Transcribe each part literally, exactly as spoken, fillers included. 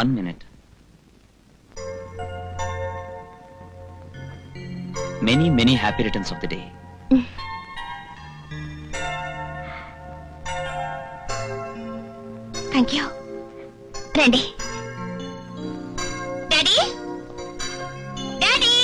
One minute. Many many happy returns of the day. Thank you. రండి. Daddy daddy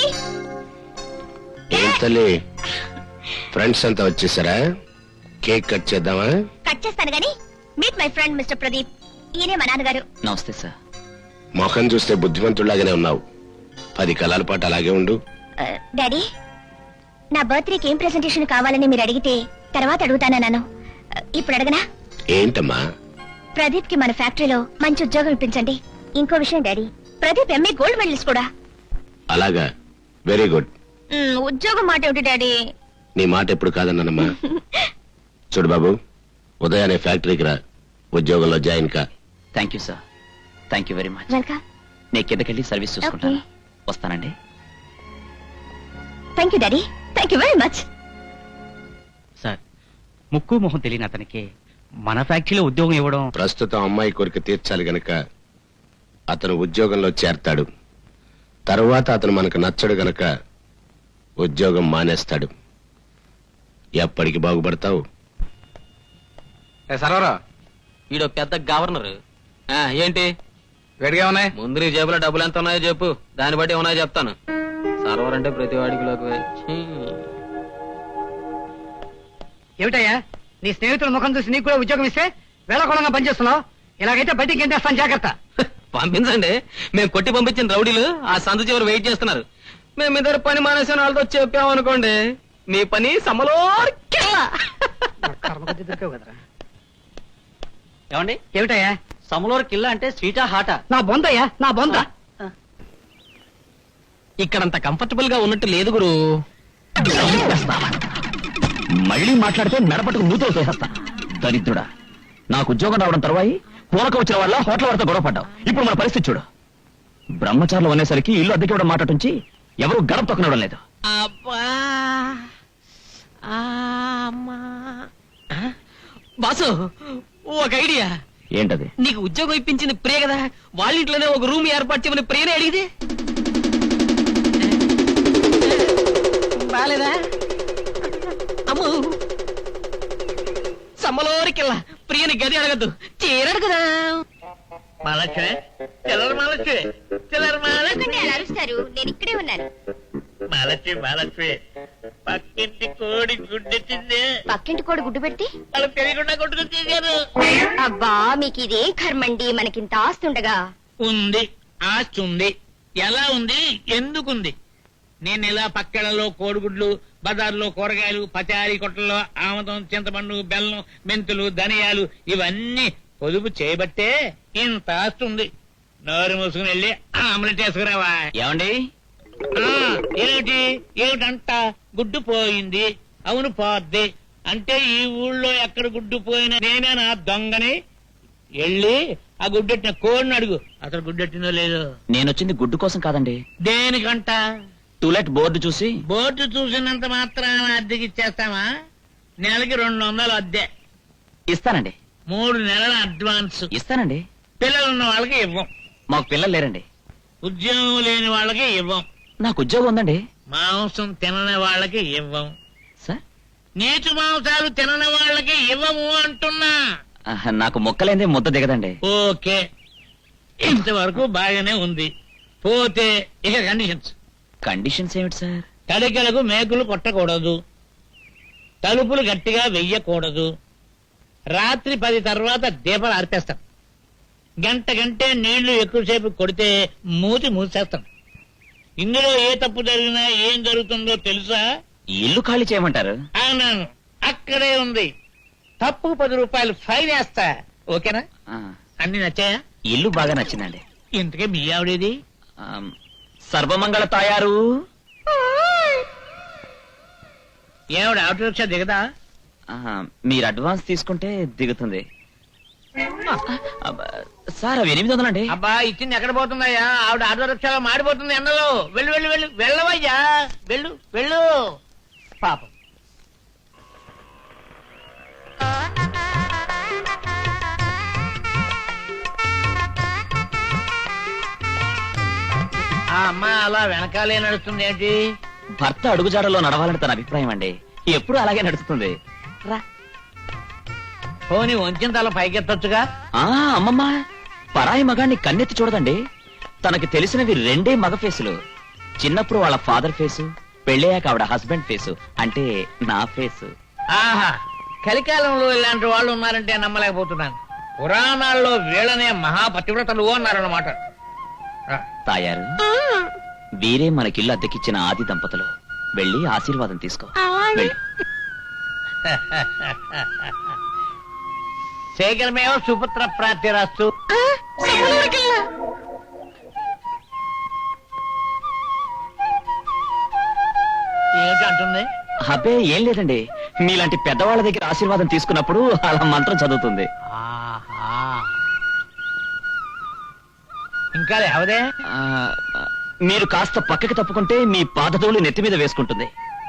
ఏం తల్లి, friends అంతా వచ్చేసారా? కేక్ కట్ చేద్దామా? కట్ చేస్తాను గానీ meet my friend mister Pradeep. ఈయనే మా నాన్నగారు. నమస్తే సార్. మొహం చూస్తే బుద్ధిమంతుడిలాగానే ఉన్నావు. పది కళల పాటు అలాగే ఉండు. డాడీ, నా బర్త్డేకి ఏం ప్రెజెంటేషన్ కావాలని మీరు అడిగితే తర్వాత అడుగుతానన్నాను. ఇప్పుడు అడగనా? ఏంటమ్మా? ప్రదీప్ కి మన ఫ్యాక్టరీలో మంచి ఉద్యోగం ఇప్పించండి. ఇంకో విషయం daddy, Pradeep MA gold medalist కూడా. అలాగా, వెరీ గుడ్. ఉద్యోగం మాట ఏమిటి డాడీ? నీ మాట ఎప్పుడు కాదన్నానమ్మా. చూడు బాబు, ఉదయాన్నే ఫ్యాక్టరీకి రా, ఉద్యోగంలో జాయిన్ కా. Thank you sir. Thank you very much. Welcome. నేను కిందకెళ్ళి సర్వీస్ చూసుకుంటాను. వస్తానండి. Thank you daddy. Thank you very much. Sir, ముక్కు మొహం తెలియని అతనికి మన ఫ్యాక్టరీలో ఉద్యోగం ఇవ్వడం. ప్రస్తుతం అమ్మాయి కోరిక తీర్చాలి గనక అతను ఉద్యోగంలో చేరతాడు. తర్వాత అతను మనకు నచ్చడు గనక ఉద్యోగం మానేస్తాడు. ఎప్పటికి బాగుపడతావు? సర్వరా, ఈడో పెద్ద గవర్నర్. ఏంటి వేడిగా ఉన్నాయి? ముందు నీ జేబులో డబ్బులు ఎంత ఉన్నాయో చెప్పు, దాన్ని బట్టి ఉన్నాయో చెప్తాను. సర్వర్ అంటే ప్రతి వాడికి లోకి. ఏమిటయ్యా, నీ స్నేహితుల ముఖం చూసి నీకు కూడా ఉద్యోగం ఇస్తే వేళకోళంగా పనిచేస్తున్నావు. ఇలాగైతే బయటికి ఏం చేస్తాను, జాగ్రత్త. పంపించండి. మేము కొట్టి పంపించిన రౌడీలు ఆ సందు చివరి వెయిట్ చేస్తున్నారు. మేము ఇద్దరు పని మానేసిన వాళ్ళతో చెప్పామనుకోండి, మీ పని సమలో. ఏమండి, ఏమిటయ్యా సమలోర్ కిల్ల అంటే స్వీటా హాటా? నా బొందయ్యా, నా బొంద. ఇక్కడంత కంఫర్టబుల్ గా ఉన్నట్టు లేదు గురు. మళ్ళీ మాట్లాడితే మెడపట్టుకు మూతలు చేసేస్తా. దరిద్రుడా, నాకు ఉద్యోగం రావడం తర్వాయి పూలక వచ్చిన వాళ్ళ హోటల్ వారితో గొడవ పడ్డావు. ఇప్పుడు మన పరిస్థితి చూడు. బ్రహ్మచారులు అనేసరికి ఇల్లు అద్దెకి ఇవ్వడం మాట నుంచి ఎవరు గడప తొక్కనివ్వడం లేదు. బాసు, ఒక ఐడియా. ఏంటది? నీకు ఉద్యోగం ఇప్పించింది ప్రియ కదా, వాళ్ళ ఇంట్లోనే ఒక రూమ్ ఏర్పాటు చేయమని ప్రియనే అడిగితే బాలేదా? అమ్మో, సమ్మలోరికెళ్ళ ప్రియని గది అడగద్దు, చీరడు కదా. మహాలక్ష్మి, చిల్లర మహాలక్ష్మి, చిల్లర మహాలక్ష్మి. అరుస్తారు, నేను ఇక్కడే ఉన్నాను. మహాలక్ష్మి, మహాలక్ష్మి, పక్కింటి కోడి గుడ్డెత్తింది. పక్కింటి కోడి గుడ్డు పెడితే వాళ్ళు తెలియకుండా కొట్టుకుని చేశారు. అబ్బా, మీకు ఇదేం కర్మండి, మనకింత ఆస్తుండగా. ఉంది, ఆస్తి ఉంది. ఎలా ఉంది, ఎందుకుంది? నేను ఇలా పక్కలలో కోడిగుడ్లు, బజార్లో కూరగాయలు, పచారీ కొట్టల్లో ఆమదం, చింతపండు, బెల్లం, మెంతులు, ధనియాలు ఇవన్నీ పొదుపు చేయబట్టే ఇంత ఆస్తి ఉంది. నోరు మూసుకుని వెళ్ళి ఆమ్లెట్ వేసుకురావా. ఏమండి? ఏమిటి ఏమిటంట? గుడ్డు పోయింది. అవును, పోద్ది. అంటే ఈ ఊళ్ళో ఎక్కడ గుడ్డు పోయినా నేనే నా దొంగని. వెళ్ళి ఆ గుడ్డెట్టిన కోడిని అడుగు, అసలు గుడ్డెట్టిందో లేదో. నేను వచ్చింది గుడ్డు కోసం కాదండి. దేనికంట? టూలెట్ బోర్డు చూసి. బోర్డు చూసినంత మాత్రాన అద్దెకి ఇచ్చేస్తామా? నెలకి రెండు వందలు అద్దె ఇస్తానండి. మూడు నెలల అడ్వాన్స్ ఇస్తానండి. పిల్లలున్న వాళ్ళకి ఇవ్వం. మాకు పిల్లలు లేరండి. ఉద్యోగం లేని వాళ్ళకి ఇవ్వం. నాకు ఉద్యోగం ఉందండి. మాంసం తినని వాళ్ళకి ఇవ్వం. సార్, నీచు మాంసాలు తినని వాళ్ళకి ఇవ్వము అంటున్నా. ఆహా, నాకు మొక్కలేందే ముద్ద దిగదండి. ఓకే, ఇంతవరకు బాగానే ఉంది. పోతే ఇక కండిషన్స్. కండిషన్స్ ఏమిటి సార్? తడికలకు మేకులు కొట్టకూడదు, తలుపులు గట్టిగా వెయ్యకూడదు, రాత్రి పది తర్వాత దీపాలు ఆర్పేస్తాం, గంట గంటే నీళ్లు ఎక్కువసేపు కొడితే మూతి మూసేస్తాం. ఇందులో ఏ తప్పు జరిగినా ఏం జరుగుతుందో తెలుసా? ఇల్లు ఖాళీ చేయమంటారు? అవునాను, అక్కడే ఉంది. తప్పు పది రూపాయలు ఫైన్ వేస్తా. ఓకేనా? ఆ, అన్ని నచ్చాయా? ఇల్లు బాగా నచ్చిందండి. ఇంతకే మీ ఆవిడేది? ఆమ్, సర్వమంగళ తాయారు. ఏమిడ ఆటో రిక్షా దిగదా? ఆహా, మీరు అడ్వాన్స్ తీసుకుంటే దిగుతుంది. అబ్బా, సార్ అవి ఎనిమిది వందలండి. అబ్బా, ఇచ్చింది ఎక్కడ పోతుందయ్యా? ఆవిడ ఆటో రిక్షాలో మాడిపోతుంది ఎండలో. వెళ్ళు వెళ్ళు వెళ్ళు వెళ్ళవయ్యా, వెళ్ళు వెళ్ళు. పాపం. ఆ అమ్మాయి అలా వెనకాలే నడుస్తుంది ఏంటి? భర్త అడుగుజాడలో నడవాలని తన అభిప్రాయం అండి. ఎప్పుడు అలాగే నడుస్తుంది. రా. పోనీ వంచిన తల పైకెత్తొచ్చుగా. ఆ అమ్మమ్మ, పరాయి మగాన్ని కన్నెత్తి చూడదండి. తనకి తెలిసినవి రెండే మగ ఫేసులు. చిన్నప్పుడు వాళ్ళ ఫాదర్ ఫేసు, పెళ్ళయ్యాక ఆవిడ హస్బెండ్ ఫేసు, అంటే నా ఫేసు. ఆహా, కలికాలంలో ఇలాంటి వాళ్ళు ఉన్నారంటే నమ్మలేకపోతున్నాను. పురాణాల్లో వీళ్ళనే మహాపతివ్రతలు అన్నారన్నమాట. తాయారు, వీరే మనకిల్లు అద్దెకిచ్చిన ఆది దంపతులు. వెళ్ళి ఆశీర్వాదం తీసుకో. వెళ్ళు. శేఖరమేవ సుపుత్ర ప్రాప్తిరాస్తు. ఏమిటి అంటుంది? అబ్బే ఏం లేదండి, మీలాంటి పెద్దవాళ్ళ దగ్గర ఆశీర్వాదం తీసుకున్నప్పుడు అలా మంత్రం చదువుతుంది. ఆహా, ఇంకా లేవదే. ఆ, మీరు కాస్త పక్కకి తప్పుకుంటే మీ పాదతోలు నెత్తి మీద వేసుకుంటుంది.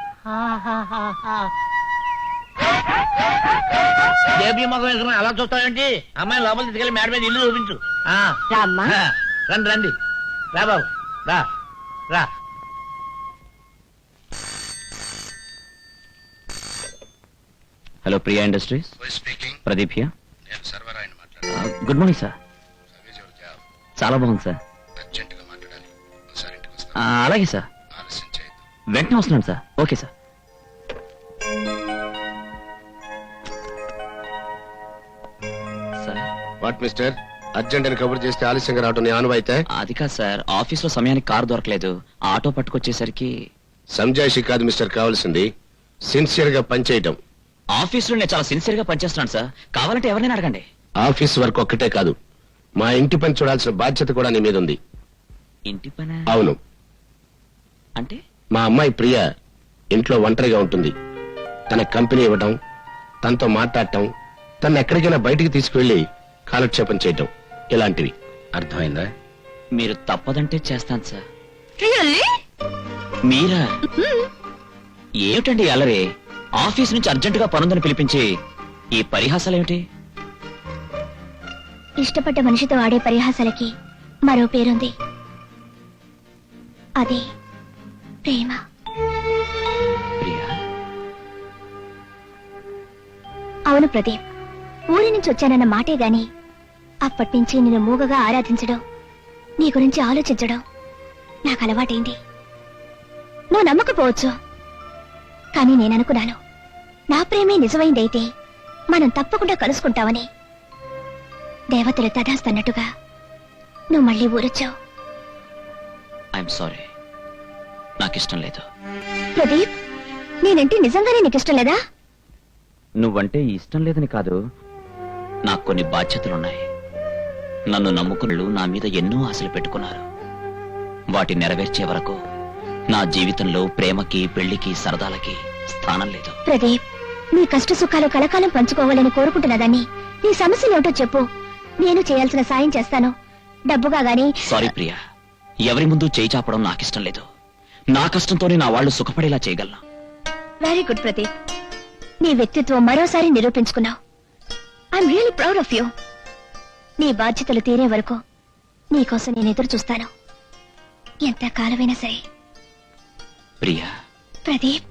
దేవి మగం వేసుకుని అలా చూస్తావేంటి? అమ్మాయి లోపల తీసుకెళ్ళి మేడ మీద ఇల్లు చూపించు. ఆ, రామ్మా. ఆ, రండి రండి, రా బాబు, రా రా. Hello Priya industries, speaking. Pradeep here. నేను సర్వరాయని ఆ, గుడ్ మార్నింగ్ సార్. చాలా బాగుంది సార్. అర్జెంట్ గా మాట్లాడాలి. ఒకసారి ఇంటికి వస్తా. ఆ, అలాగే సార్, ఆలస్యం చేయొద్దు. వెంటనే వస్తున్నాను sir. Okay sir. Sir, what mister, urgent అని కబుర్ చేస్తే ఆలస్యంగా రావటం నీ ఆనువైతే? అది కాదు సార్, ఆఫీస్ లో సమయానికి కారు దొరకలేదు. ఆటో పట్టుకొచ్చేసరికి సంజాయిషి కాదు మిస్టర్, కావాల్సింది సిన్సియర్ గా పనిచేయటం. ఆఫీస్ లో నేను చాలా సిన్సియర్ గా పనిచేస్తున్నాను సార్. కావాలంటే ఎవరైనా అడగండి. ఆఫీస్ వర్క్ ఒక్కటే కాదు, మా ఇంటి పని చూడాల్సిన బాధ్యత కూడా నీ మీద ఉంది. ఇంటి పని అవును, అంటే? మా అమ్మాయి ప్రియ ఇంట్లో ఒంటరిగా ఉంటుంది. తన కంపెనీ ఇవ్వటం, తనతో మాట్లాడటం, తను ఎక్కడికైనా బయటికి తీసుకువెళ్లి కాలక్షేపం చేయటం, ఇలాంటివి. అర్థమైందా? మీరు తప్పదంటే చేస్తాను సార్. మీరా? ఏమిటండి అలరే? ఆఫీస్ నుంచి అర్జెంటుగా పనుందని పిలిపించి ఈ పరిహాసాలేమిటి? ఇష్టపడ్డ మనిషితో ఆడే పరిహాసాలకి మరో పేరుంది, అది ప్రేమ. ప్రియా, అవును ప్రదీప్, ఊరి నుంచి వచ్చానన్న మాటే గాని అప్పటి నుంచి నిన్ను మూగగా ఆరాధించడం, నీ గురించి ఆలోచించడం నాకు అలవాటైంది. నువ్వు నమ్మకపోవచ్చు, కానీ నేననుకున్నాను నా ప్రేమే నిజమైందైతే మనం తప్పకుండా కలుసుకుంటామని. దేవతలు తదాస్తన్నట్టుగా నువ్వు మళ్ళీ ఊరొచ్చావు. ఐఎమ్ సారీ, నాకిష్టం లేదు. ప్రదీప్, నేనంటే నిజంగానే నీకు ఇష్టం లేదా? నువ్వంటే ఇష్టం లేదని కాదు, నాకు కొన్ని బాధ్యతలున్నాయి. నన్ను నమ్ముకున్నలు నా మీద ఎన్నో ఆశలు పెట్టుకున్నారు. వాటి నెరవేర్చే వరకు నా జీవితంలో ప్రేమకి, పెళ్లికి, సరదాలకి స్థానం లేదు. ప్రదీప్, నీ కష్ట సుఖాలు కలకాలం పంచుకోవాలని కోరుకుంటున్నదాన్ని. నీ సమస్యలేమిటో చెప్పు, నేను చేయాల్సిన సాయం చేస్తాను. డబ్బుగా గాని. సారీ ప్రియా, ఎవరి ముందు చేయి చాపడం నాకిష్టం లేదు. నా కష్టంతోనే నా వాళ్ళు సుఖపడేలా చేయగలను. వెరీ గుడ్ ప్రదీప్, నీ వ్యక్తిత్వం మరోసారి నిరూపించుకున్నావు. I'm really proud of you. నీ బాధ్యతలు తీరే వరకు నీకోసం నేను ఎదురు చూస్తాను, ఎంత కాలమైనా సరే. ప్రియా. ప్రదీప్,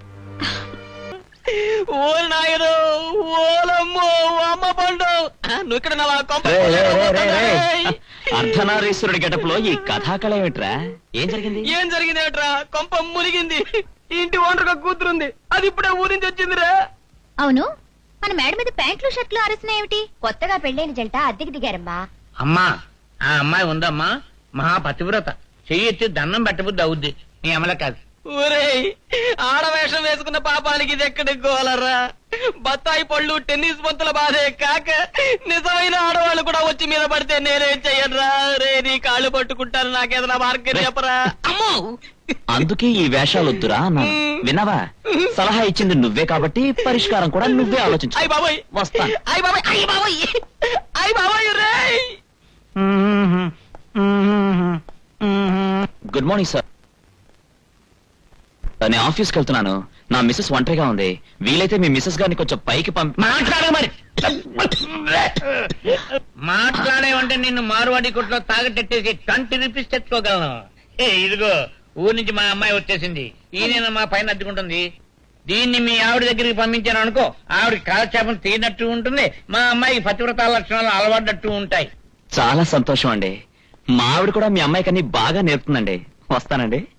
ఓ నాయను, ఓలమ్మో, అమ్మ పండు, నువ్వు ఇక్కడ నా కొంప. రే, రే, రే, రే, రే. అర్ధనారీశ్వరుడి గెటప్లో ఈ కథాకళ ఏమిట్రా? ఏం జరిగింది? ఏం జరిగింది ఏమిట్రా? కొంప మునిగింది. ఇంటి ఓనర్గా కూతురుంది, అది ఇప్పుడే ఊరి నుంచి వచ్చిందిరా. అవును, మన మేడ మీద ప్యాంట్లు షర్ట్లు అరసినాయేమిటి? కొత్తగా పెళ్ళైన జంట అద్దెకి దిగారమ్మా. అమ్మా, ఆ అమ్మాయి ఉందమ్మా, మహాపతివ్రత. చెయ్యి ఎత్తి దండం పెట్టబుద్ది అవుద్ది, నీ అమల కాదు. ఊరేయ్, ఆడవేషం వేసుకున్న పాపానికి ఇది ఎక్కడికి గోలరా? బత్తాయి పళ్ళు, టెన్నిస్ బంతుల బాధే కాక నిజమైన ఆడవాళ్ళు కూడా వచ్చి మీద పడితే నేనేం చెయ్యనురా? రే, నీ కాళ్ళు పట్టుకుంటాను, నాకేదైనా మార్గం చెప్పరా? అమ్మో, అందుకే ఈ వేషాలు వద్దురా అన్నాను. విన్నావా? సలహా ఇచ్చింది నువ్వే కాబట్టి పరిష్కారం కూడా నువ్వే ఆలోచించు. అయ్ బాబోయ్, వస్తాను. అయ్ బాబోయ్, అయ్ బాబోయ్, అయ్ బాబోయ్ రేయ్. Good morning sir. నేను ఆఫీస్కి వెళ్తున్నాను. నా మిస్సెస్ ఒంటరిగా ఉంది. వీలైతే మీ మిస్సెస్ గారిని కొంచెం పైకి పంపి. మాట్లాడే మరి మాట్లాడేవంటే నిన్ను మారువాడి కొట్లో తాగటెట్టేసి ట్వంటీ రూపీస్ తెచ్చుకోగలను. ఇదిగో ఊరి నుంచి మా అమ్మాయి వచ్చేసింది. ఈయన మా పైన అద్దుకుంటుంది. దీన్ని మీ ఆవిడ దగ్గరికి పంపించాను అనుకో, ఆవిడ కాలక్షేపం తీరినట్టు ఉంటుంది, మా అమ్మాయికి పతివ్రత లక్షణాలు అలవాడట్టు ఉంటాయి. చాలా సంతోషం అండి. మా ఆవిడ కూడా మీ అమ్మాయికి అన్ని బాగా నేర్పుతుందండి. వస్తానండి.